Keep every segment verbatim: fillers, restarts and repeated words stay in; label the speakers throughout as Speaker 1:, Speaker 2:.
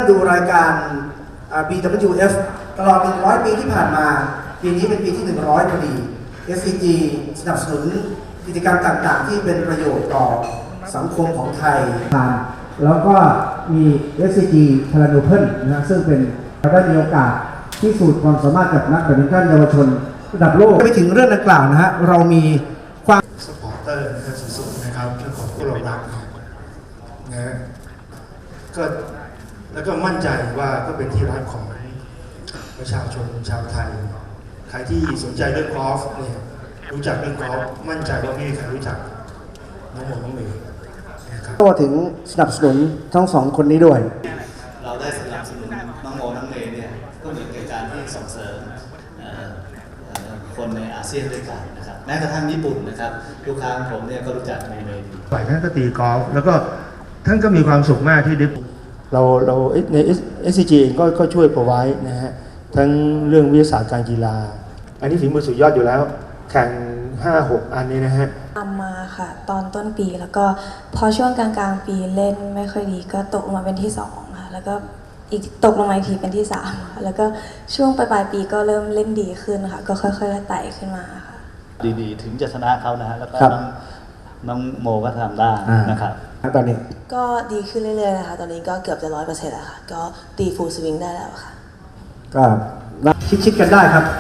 Speaker 1: ดูรายการ บี ดับเบิลยู เอฟ ตลอดหนึ่งร้อยปีที่ผ่านมาปีนี้เป็นปีที่หนึ่งร้อยพอดี เอส ซี จี สนับสนุนกิจกรรมต่างๆที่เป็นประโยชน์ต่อสังคมของไทยแล้วก็มี เอส ซี จี พาราโนเพิลนะซึ่งเป็นเราได้มีโอกาสพิสูจน์ความสามารถกับนักแบดมินตันเยาวชนระดับโลกไปถึงเรื่องดังกล่าวนะฮะเรามีความ
Speaker 2: สปอร์เตอร์นะครับสุดๆนะครับเรื่องของผู้เรารักนะก็แล้วก็มั่นใจว่าก็เป็นที่รักของประชาชนชาวไทยใครที่สนใจเรื่องกอล์ฟเนี่ยรู้จักเรื่องกอล์ฟมั่นใจว่าไม่มีใครรู้จักน้องโมน้องเมย์นะครับ
Speaker 1: ก็ถึงสนับสนุนทั้งสองคนนี้ด้วย
Speaker 3: เราได้สนับสนุนน้องโมน้องเมย์เนี่ยก็เหมือนกับการที่ส่งเสริมคนในอาเซียนด้วยกันนะครับแม้กระทั่งญี่ปุ่นนะครับลูกค้าของผมเนี่ยก็รู้จักโมเมย์ดี
Speaker 2: ฝ่ายท่านก็ตีกอล์ฟแล้วก็ท่านก็มีความสุขมากที่ได้
Speaker 4: เราเราใน เอส ซี จี เองก็ก็ช่วยพอไว้นะฮะทั้งเรื่องวิทยาศาสตร์การกีฬาอันนี้ฝีมือสุดยอดอยู่แล้วแข่ง ห้าหก อันนี้นะฮะ
Speaker 5: ทำมาค่ะตอนต้นปีแล้วก็พอช่วงกลางๆปีเล่นไม่ค่อยดีก็ตกลงมาเป็นที่สองค่ะแล้วก็อีกตกลงมาอีกทีเป็นที่สามค่ะแล้วก็ช่วงปลายๆปีก็เริ่มเล่นดีขึ้นค่ะก็ค่อยๆไต่ขึ้นมาค่ะ
Speaker 3: ดีๆถึงจะชนะเขานะฮะแล้วก็น้องโมก็ทำได้นะครับ
Speaker 1: ตอนนี้
Speaker 5: ก็ดีขึ้นเรื่อยๆนะคะตอนนี้ก็เกือบจะร้อยเปอร์เซ็นต์แล้วค่ะก็ตีฟูลสวิงได้แล้วค่ะ
Speaker 1: ก็ชิดๆกันได้ครับ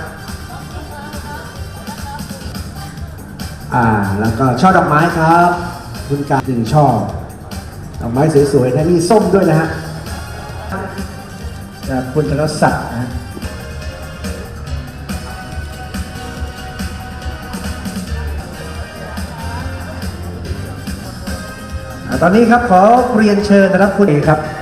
Speaker 1: อ่าแล้วก็ช่อดอกไม้ครับคุณการหนึ่งช่อดอกไม้สวยๆนะมีส้มด้วยนะฮะจากคุณธนศักดิ์นะตอนนี้ครับขอเรียนเชิญนะครับคุณเอกครับ